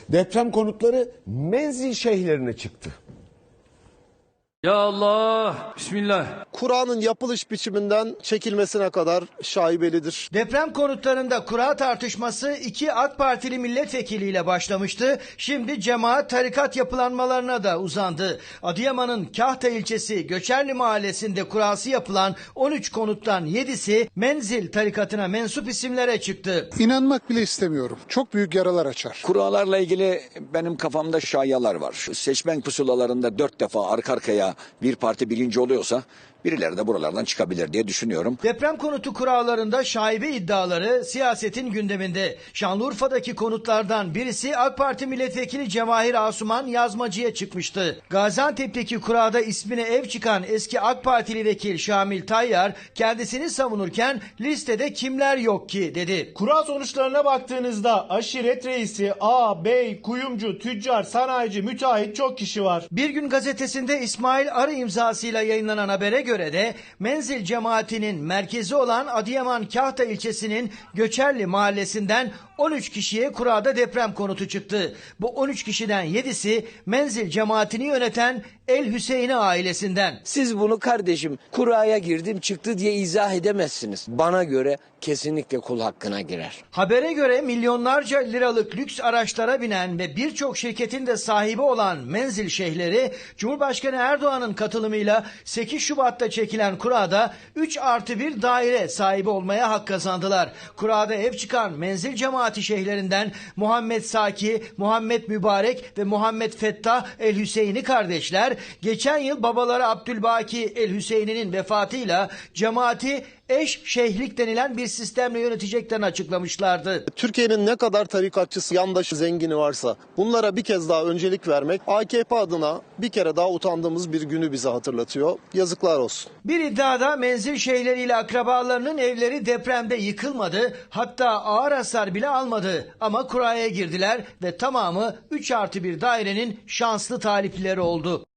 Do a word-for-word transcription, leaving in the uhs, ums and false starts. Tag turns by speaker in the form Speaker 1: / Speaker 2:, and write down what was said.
Speaker 1: Deprem konutları menzil şeyhlerine çıktı.
Speaker 2: Ya Allah, Bismillah.
Speaker 3: Kura'nın yapılış biçiminden çekilmesine kadar şaibelidir.
Speaker 4: Deprem konutlarında kura tartışması iki AK Partili milletvekiliyle başlamıştı. Şimdi cemaat tarikat yapılanmalarına da uzandı. Adıyaman'ın Kahta ilçesi Göçerli mahallesinde kurası yapılan on üç konuttan yedisi menzil tarikatına mensup isimlere çıktı.
Speaker 5: İnanmak bile istemiyorum. Çok büyük yaralar açar.
Speaker 6: Kuralarla ilgili benim kafamda şayalar var. Şu seçmen pusulalarında dört defa arka arkaya bir parti birinci oluyorsa birileri de buralardan çıkabilir diye düşünüyorum.
Speaker 4: Deprem konutu kurallarında şaibe iddiaları siyasetin gündeminde. Şanlıurfa'daki konutlardan birisi AK Parti milletvekili Cevahir Asuman Yazmacı'ya çıkmıştı. Gaziantep'teki kurada ismine ev çıkan eski AK Partili vekil Şamil Tayyar kendisini savunurken listede kimler yok ki dedi.
Speaker 7: Kura sonuçlarına baktığınızda aşiret reisi, ağ, bey, kuyumcu, tüccar, sanayici, müteahhit çok kişi var.
Speaker 4: Bir Gün gazetesinde İsmail Arı imzasıyla yayınlanan habere göre de menzil cemaatinin merkezi olan Adıyaman Kahta ilçesinin Göçerli mahallesinden on üç kişiye kurada deprem konutu çıktı. Bu on üç kişiden yedisi menzil cemaatini yöneten El Hüseyin'i ailesinden.
Speaker 8: Siz bunu kardeşim kuraya girdim çıktı diye izah edemezsiniz. Bana göre kesinlikle kul hakkına girer.
Speaker 4: Habere göre milyonlarca liralık lüks araçlara binen ve birçok şirketin de sahibi olan menzil şeyhleri Cumhurbaşkanı Erdoğan'ın katılımıyla sekiz Şubat'ta çekilen kurada üç artı bir daire sahibi olmaya hak kazandılar. Kurada ev çıkan menzil cemaati şeyhlerinden Muhammed Saki, Muhammed Mübarek ve Muhammed Fettah El Hüseyin'i kardeşler geçen yıl babaları Abdülbaki El Hüseyin'in vefatıyla cemaati eş şeyhlik denilen bir sistemle yöneteceklerini açıklamışlardı.
Speaker 3: Türkiye'nin ne kadar tarikatçısı, yandaşı, zengini varsa bunlara bir kez daha öncelik vermek A K P adına bir kere daha utandığımız bir günü bize hatırlatıyor. Yazıklar olsun.
Speaker 4: Bir iddiada menzil şeyhleriyle akrabalarının evleri depremde yıkılmadı, hatta ağır hasar bile almadı. Ama kuraya girdiler ve tamamı üç artı bir dairenin şanslı talipleri oldu.